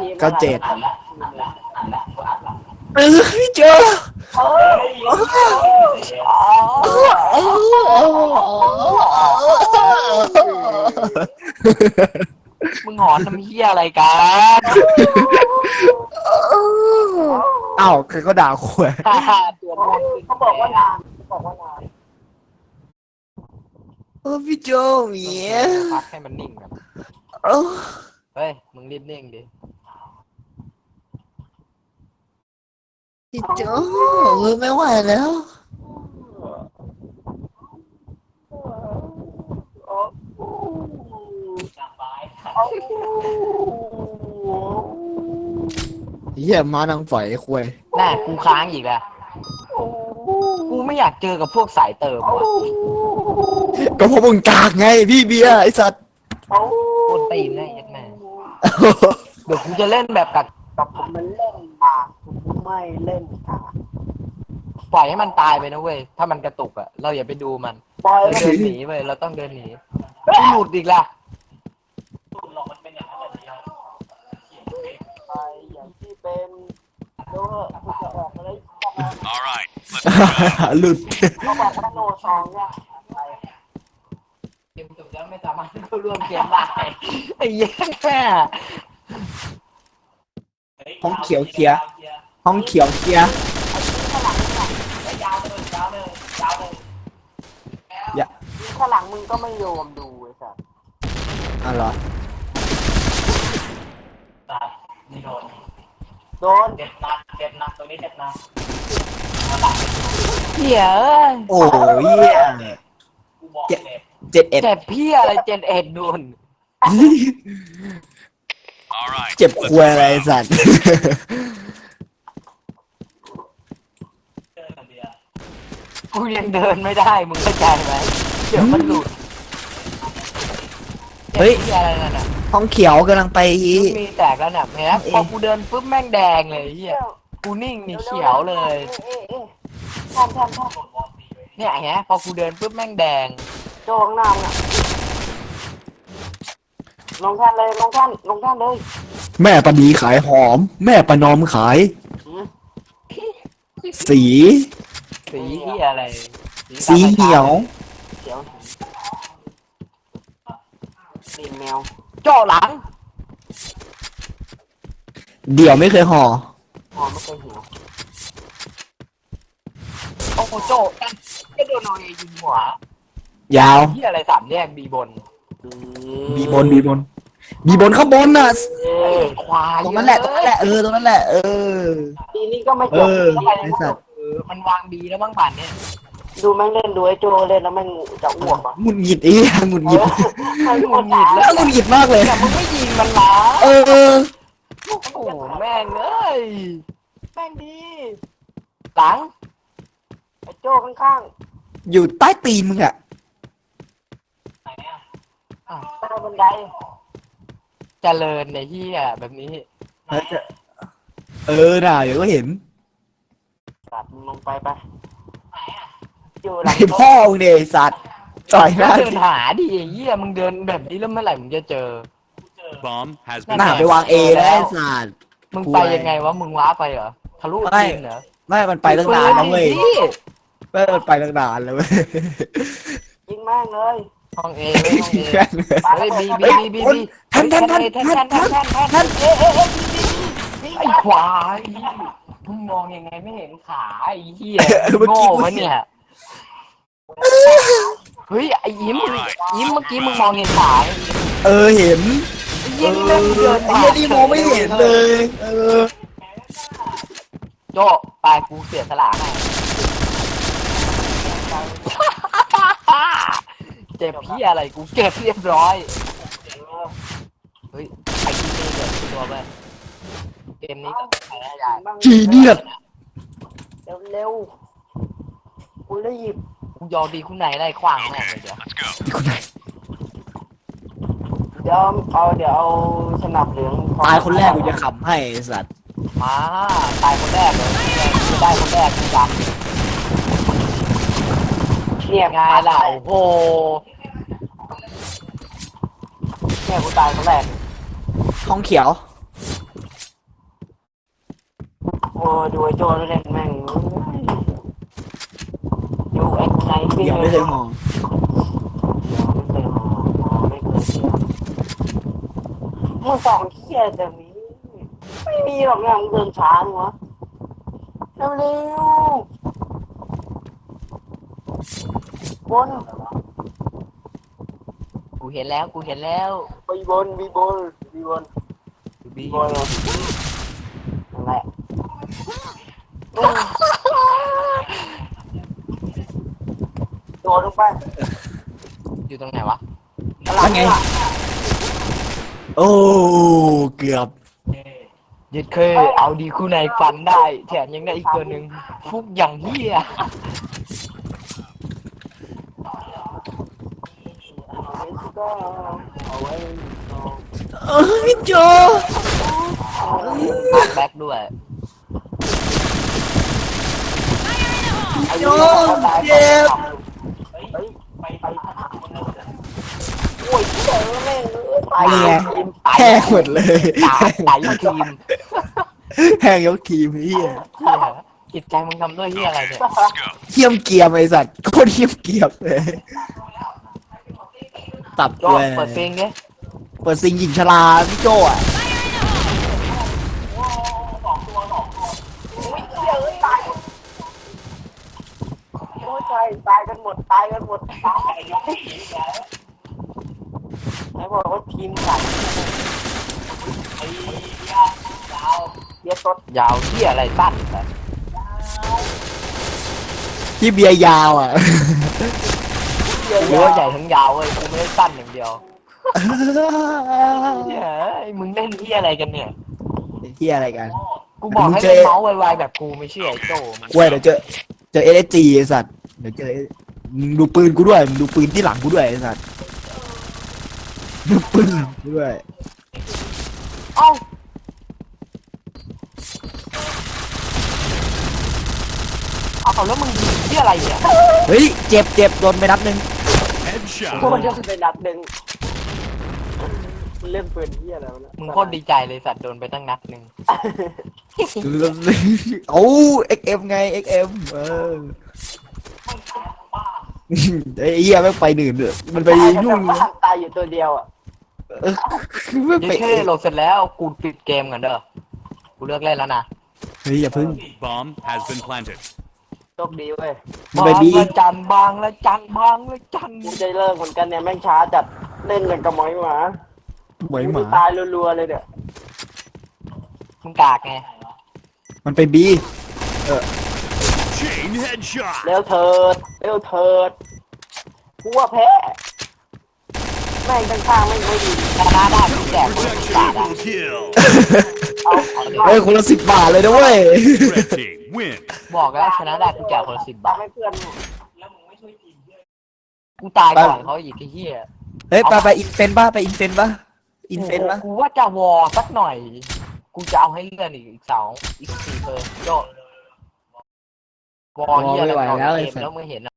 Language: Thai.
ก็เจ็ดพี่โจมึงหอนทำเหี้ยอะไรกันเอ้าใครก็ด่าขวยตัวโมนเขาบอกว่านานพี่โจเมียพักให้มันนิ่งแบบเฮ้ยมึงรีบนิ่งดิพี่โจไม่ไหวแล้วเหี้ยมานังฝอยควยน่ากูค้างอีกแล้วกูไม่อยากเจอกับพวกสายเติมว่ะก็เพราะมึงกากไงพี่เบียร์ไอ้สัตว์โคนตีนได้ยัดแม่เดี๋ยวกูจะเล่นแบบกับผมมันเล่นมาผมไม่เล่นค่ะปล่อยให้มันตายไปนะเว้ยถ้ามันกระตุกอ่ะเราอย่าไปดูมันเราเดินหนีเว้ยเราต้องเดินหนีกูหลุดอีกละไปอย่างที่เป็นโน้ตกูจะออกอะไรหลุดเขาบอกว่าโนซองเนี่ยเกมจบแล้วไม่สามารถเข้าร่วมเกมได้ไอ้เหี้ยแค่ห้องเขียวเคลียร์ห้องเขียวเคลียร์อย่าข้างหลังมึงก็ไม่โยมดูไอ้สัสอ๋อเหรอโดนเจ็บหนักตรงนี้เจ็บหนักเหี้ยโอ้ยเหี้ยเจ็ดเอ็ดเจ็บพี่อะไรเจ็บเอ็ดนู่นเจ็บควยอะไรสัตว์กูยังเดินไม่ได้มึงเข้าใจไหมเดี๋ยวมันหลุดเฮ้ยเจ็บพี่อะไรนั่นน่ะห้องเขียวกำลังไปมีแตกแล้วเนี่ยเห็นไหมพอกูเดินปุ๊บแม่งแดงเลยเหี้ยกูนิ่งนี่เขียวเลยเนี่ยเห็นไหมพอกูเดินปุ๊บแม่งแดงโจ้ข้างหน้าน่ะลงท่านเลยแม่ปนีขายหอม แม่ประนอมขาย สีสีที่อะไรสีเหี่ยวเขียวสีแมวโจ้หลังเดี๋ยวไม่เคยห่อไม่เคยหิวโอ้โหโจ้ก็โดนโนเอยิงหัวยาวที่อะไรสามแยกบีบนบีบนข้างบนน่ะควายตรงนั้นแหละตรงนั้นแหละตรงนั้นแหละปีนี้ก็ไม่จบไอ้สัตว์มันวางบีแล้วบ้างป่านเนี่ยดูแม่งเล่นดูไอ้โจเล่นแล้วแม่งจะอ้วกอ่ะหงุดหงิดอีหงุดหงิดมันหงุดหงิดแล้วหงุดหงิดมากเลยแต่มึงไม่ยิงมันนะเออโอ้โหแม่งเอ้ยแม่งดีหลังไอ้โจข้างอยู่ใต้ตีนมึงอะๆใต้บันไดเจริญในที่อ่ะแบบนี้น่ะเดี๋ยวก็เห็นตัดมึงลงไปอยู่หลัไอง พ่อมึงเนี่ยไอ้สัตว์ต่อยหน้าเดินหาดิไอ้เหี้ยมึงเดินแบบนี้แล้วเมื่อไหร่มึงจะเจอ Bomb has หน้า been ไปวางเอแล้วไอ้สัตว์มึงไปยังไงวะมึงว้าไปเหรอทะลุจีนเหรอไม่มันไปตั้งนานแล้วเว้ยพี่ไม่มันไปตั้งนานแล้วเว้ยยิงแม่งเลยห้องเอห้องเอแม่งเลยเฮ้ยบีแทนไอ้ควายมึงมองยังไงไม่เห็นขาไอ้เหี้ยโง่วะเนี่ยเฮ้ยไอ้ยิ้มเมื่อกี้มึงมองเห็นขาเห็นไอ้เหี้ยนี่แม่งเดินไอ้เหี้ยนี่มองไม่เห็นเลยโจ้ปลายกูเสียสละให้เจ็บพี่อะไรกูเก็บเรียบร้อยเฮ้ยไอ้ที่นี่เดือดตัวไปเกมนี้ก็แพ้ใหญ่จีเนียสเร็วกูรีบกูยอมดีคุณไหนได้ขวางแม่เลยเดี๋ยวที่คนไหนเดี๋ยวเอาสนับเหลืองตายคนแรกกูจะขำให้ไอ้สัตว์มาตายคนแรกเลยกูได้คนแรกกูจับเนี่ยไงล่ะโอ้โหเนี่ยกูตายคนแรกห้องเขียวอ้ดูไอ้โจเล่นแม่งดูไอ้ไหนพี่ยังไม่เคยมองไม่เคยไม่เคยมึงสองเขี้ยแต่นี้ไม่มีหรอกนะมึงเดินช้าหนูวะเร็วบนกูเห็นแล้วบีบนบีบนนั่นแหละโดดลงไปอยู่ตรงไหนวะแล้วไงโอ้เกือบยึดเคยเอาดีคู่ในฟันได้แถมยังได้อีกตัวหนึ่งฟุกอย่างเฮียเอ้ยโจแบ็คด้วยโจเจ็บโอ้ยเจอแม่งตายนี่ไงตายแห้งหมดเลยตายยกทีมแห้งยกทีมเฮียเฮียจิตใจมึงทำด้วยเฮียอะไรเนี่ยเขี้ยมเกียมไอสัตว์โคตรเขี้ยมเกียมเลยตับโจเลยเปิดเพลงดิเปิดซิงหญิงชราพี่โจอ่ะโอ้ยตายกันหมดตายไหนบอกว่าทีมใหญ่เยอะต้นยาวเฮียอะไรสั้นแบบที่เบียร์ยาวอ่ะกูว่าใหญ่ทั้งยาวเว้ยกูไม่ได้สั้นอย่างเดียวเฮ้ยมึงเล่นเฮียอะไรกันเนี่ยที่อะไรกันกูบอกให้เล่นเมาส์ไวๆแบบกูไม่เชื่อไอ้โจมันกล้วยเดี๋ยวเจอSSGไอสัตว์เดี๋ยวเจอมึงดูปืนกูด้วยมึงดูปืนที่หลังกูด้วยไอสัตว์ดูปืนกูด้วยเอ้าเอาแล้วมึงยิงที่อะไรเนี่ยเฮ้ยเจ็บโดนไปนัดหนึ่งกูมัน Headshot. จะไปนัดหนึ่งเล่นปืนที่อะไรวะมึงโคตรดีใจเลยสัตว์โดนไปตั้งนัดหนึ่งโอ้ XM ไง XM เออไอ้เหี้ยไม่งไปหนึ่งเลยมันไปยุ่งตายอยู่ตัวเดียวอ่ะไม่ไปนี่แค่โหลดเสร็จแล้วกูปิดเกมกันเด้อกูเลิกเล่นแล้วนะเฮ้ยอย่าพึ่ง Bomb has been planted. โชคดีเว้ยมันไปบีละจันบางละจันกูจะเลิกเหมือนกันเนี่ยแม่งช้าจัดเล่นอย่างกับหมอยหมาเหมยหมาตายรัวๆเลยเนี่ยมึงกากไงมันไปบี Chain headshot. เร็วเถิดกูว่าแพ้แม่งข้างๆไม่ค่อยดีชนะได้กูแจกคนละ10 บาท Protection อ่ะ double kill. เฮ้ยคนละ10 บาทเลยนะเว้ย Red team win. บอกแล้วชนะได้กูแจกคนละ10 บาทให้เพื่อนกูตายก่อนเขาอีกไอ้เหี้ยเฮ้ยไปอินเฟนป่ะไปอินเฟนป่ะอินเฟนป่ะกูว่าจะวอสักหน่อยกูจะเอาให้เลื่อนอีก2 อีก4เปอร์โจวอเหี้ยอะไรไม่ไหวแล้วไอ้เกมสัสแล้วมึงเห็น